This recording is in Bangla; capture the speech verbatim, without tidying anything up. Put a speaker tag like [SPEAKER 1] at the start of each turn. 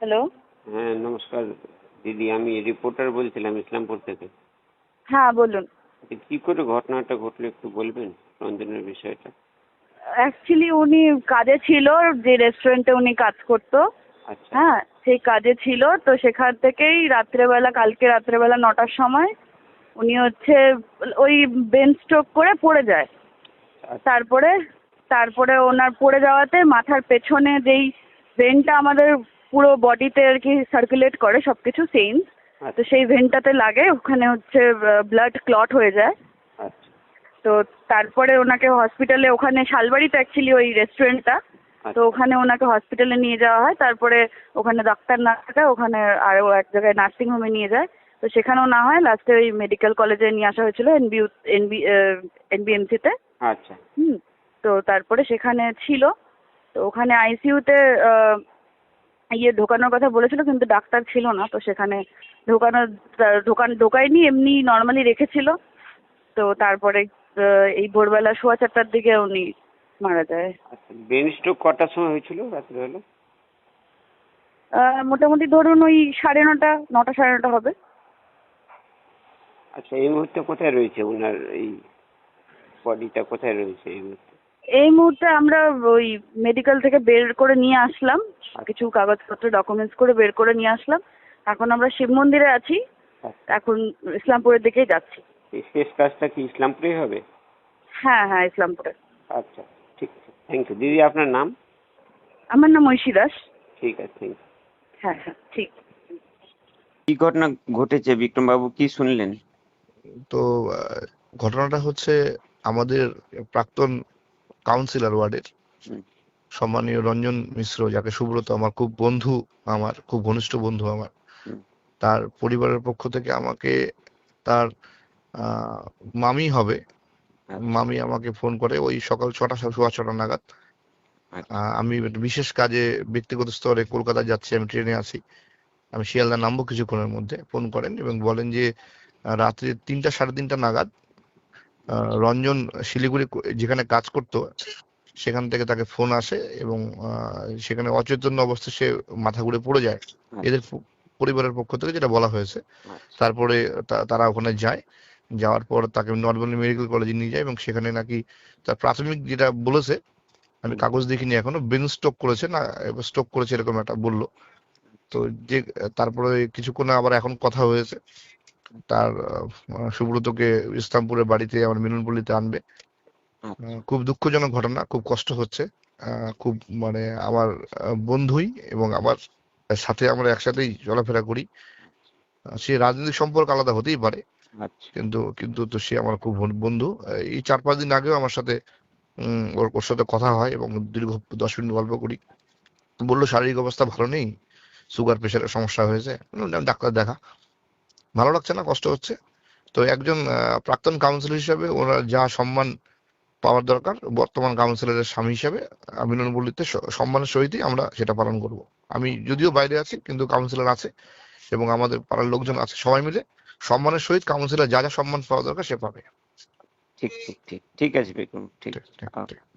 [SPEAKER 1] হ্যালো।
[SPEAKER 2] হ্যাঁ, নমস্কার দিদি। আমি রিপোর্টার বলছিলাম ইসলামপুর থেকে।
[SPEAKER 1] হ্যাঁ, বলুন।
[SPEAKER 2] আচ্ছা, কি করে ঘটনাটা ঘটলো একটু বলবেন রঞ্জনের বিষয়টা?
[SPEAKER 1] অ্যাকচুয়ালি উনি কাজে ছিল, যে রেস্টুরেন্টে উনি কাজ করতো।
[SPEAKER 2] আচ্ছা
[SPEAKER 1] হ্যাঁ, সেই কাজে ছিল, তো সেখান থেকেই রাত্রেবেলা, কালকে রাত্রেবেলা নটার সময় উনি হচ্ছে ওই ব্রেন স্ট্রোক করে পড়ে যায়।
[SPEAKER 2] আচ্ছা
[SPEAKER 1] তারপরে তারপরে ওনার পড়ে যাওয়াতে মাথার পেছনে যেই ভেনটা আমাদের পুরো বডিতে আর কি সার্কুলেট করে সব কিছু সেন্স, তো
[SPEAKER 2] আচ্ছা
[SPEAKER 1] সেই ভেনটাতে লাগে, ওখানে হচ্ছে ব্লাড ক্লট হয়ে যায়।
[SPEAKER 2] আচ্ছা
[SPEAKER 1] তো তারপরে ওনাকে হসপিটালে, ওখানে শালবাড়িতে অ্যাকচুয়ালি ওই রেস্টুরেন্টটা, তো
[SPEAKER 2] আচ্ছা
[SPEAKER 1] ওখানে ওনাকে হসপিটালে নিয়ে যাওয়া হয়। তারপরে ওখানে ডাক্তার না থাকায় ওখানে আরও এক জায়গায় নার্সিংহোমে নিয়ে যায়। তো সেখানেও না হয়, লাস্টে ওই মেডিকেল কলেজে নিয়ে আসা হয়েছিল এনবি এনবি এনবিএমসিতে।
[SPEAKER 2] আচ্ছা
[SPEAKER 1] হুম। তো তারপরে সেখানে ছিল, তো ওখানে আইসিইউতে ইয়ে ঢোকানোর কথা বলেছিল, কিন্তু ডাক্তার ছিল না, তো সেখানে ঢোকানো ঢোকান ঢোকায়নি, এমনি নর্মালি রেখেছিল। তো তারপরে আহ, এই ভোরবেলা সোয়া চারটার দিকে উনি মারা যায়।
[SPEAKER 2] আচ্ছা ব্রেন স্ট্রোক কটার সময় হয়েছিল রাত্রিবেলা?
[SPEAKER 1] আহ, মোটামুটি ধরুন ওই সাড়ে নটা নটা সাড়ে নটা হবে।
[SPEAKER 2] আচ্ছা, এই মুহূর্তে কোথায় রয়েছে ওনার এই বডিটা, কোথায় রয়েছে এই মুহূর্তে?
[SPEAKER 1] এই মুহূর্তে আমরা ওই মেডিকেল থেকে বের করে নিয়ে আসলাম, কিছু কাগজপত্র ডকুমেন্টস করে বের করে নিয়ে আসলাম। এখন আমরা শিব মন্দিরে আছি,
[SPEAKER 2] আচ্ছা,
[SPEAKER 1] এখন ইসলামপুরের দিকেই যাচ্ছি।
[SPEAKER 2] এই শেষ কাজটা কি ইসলামপুরেই হবে?
[SPEAKER 1] হ্যাঁ হ্যাঁ, ইসলামপুরে।
[SPEAKER 2] আচ্ছা, ঠিক আছে, থ্যাংক ইউ দিদি। আপনার নাম?
[SPEAKER 1] আমার নাম ঐশী দাস।
[SPEAKER 2] ঠিক আছে, থ্যাংক ইউ।
[SPEAKER 1] হ্যাঁ হ্যাঁ, ঠিক।
[SPEAKER 2] কি ঘটনা ঘটেছে বিক্রম বাবু, কি শুনলেন?
[SPEAKER 3] তো আহ, ঘটনাটা হচ্ছে আমাদের প্রাক্তন কাউন্সিলর ওয়ার্ডের
[SPEAKER 2] হুম,
[SPEAKER 3] সম্মানীয় রঞ্জন মিশ্র, যাকে সুব্রত আমার খুব বন্ধু, আমার খুব ঘনিষ্ঠ বন্ধু আমার,
[SPEAKER 2] হুম,
[SPEAKER 3] তার পরিবারের পক্ষ থেকে আমাকে তার আহ, মামি হবে,
[SPEAKER 2] আচ্ছা,
[SPEAKER 3] মামি আমাকে ফোন করে ওই সকাল ছটা সোয়া ছটা নাগাদ।
[SPEAKER 2] আচ্ছা,
[SPEAKER 3] আহ, আমি একটা বিশেষ কাজে ব্যক্তিগত স্তরে কলকাতা যাচ্ছি, আমি ট্রেনে আছি, আমি শিয়ালদা নামবো কিছুক্ষণের মধ্যে। ফোন করেন এবং বলেন যে আহ, রাত্রি তিনটা সাড়ে তিনটা নাগাদ আহ, রঞ্জন শিলিগুড়ি ক- যেখানে কাজ করতো সেখান থেকে তাকে ফোন আসে এবং আহ, সেখানে অচৈতন্য অবস্থায় সে মাথা ঘুরে পড়ে যায়, এদের প- পরিবারের পক্ষ থেকে যেটা বলা হয়েছে।
[SPEAKER 2] আচ্ছা,
[SPEAKER 3] তারপরে তা- তারা ওখানে যায়, যাওয়ার পর তাকে নর্মালি মেডিকেল কলেজে নিয়ে যায় এবং সেখানে নাকি তার প্রাথমিক যেটা বলেছে, আমি
[SPEAKER 2] হুম,
[SPEAKER 3] কাগজ দেখিনি এখনো, ব্রেন স্ট্রোক করেছে না, স্ট্রোক করেছে এরকম একটা বললো। তো যে তারপরে কিছুক্ষণ আবার এখন কথা হয়েছে, তার আহ, সুব্রতকে ইসলামপুরের বাড়িতে আমার মিলনপল্লীতে আনবে।
[SPEAKER 2] আচ্ছা,
[SPEAKER 3] আহ, খুব দুঃখজনক ঘটনা, খুব কষ্ট হচ্ছে। আহ, খুব মানে আমার আহ, বন্ধুই এবং আমার সাথে আমরা একসাথেই চলাফেরা করি। আহ, সে রাজনৈতিক সম্পর্ক আলাদা হতেই পারে,
[SPEAKER 2] আচ্ছা,
[SPEAKER 3] কিন্তু কিন্তু তো সে আমার খুব বন- বন্ধু। আহ, এই চার পাঁচ দিন আগেও আমার সাথে উম, ওর ওর সাথে কথা হয় এবং দীর্ঘ দশ মিনিট গল্প করি। বললো শারীরিক অবস্থা ভালো নেই, সুগার প্রেশারের সমস্যা হয়েছে। আমি বললাম, ডাক্তার দেখা। ভালো লাগছে না, কষ্ট হচ্ছে। তো একজন আহ, প্রাক্তন কাউন্সিলর হিসেবে ওনার যা সম্মান পাওয়ার দরকার বর্তমান কাউন্সিলরের স্বামী হিসেবে, আমি মিলনপল্লীতে স- সম্মানের সহিতই আমরা সেটা পালন করব। আমি যদিও বাইরে আছি, কিন্তু কাউন্সিলর আছে এবং আমাদের পাড়ার লোকজন আছে, সবাই মিলে সম্মানের সহিত কাউন্সিলর যা যা সম্মান পাওয়া দরকার সে পাবে।
[SPEAKER 2] ঠিক ঠিক ঠিক ঠিক আছে বিক্রম, ঠিক
[SPEAKER 3] ঠিক, ঠিক,
[SPEAKER 2] আছে।
[SPEAKER 3] ঠিক।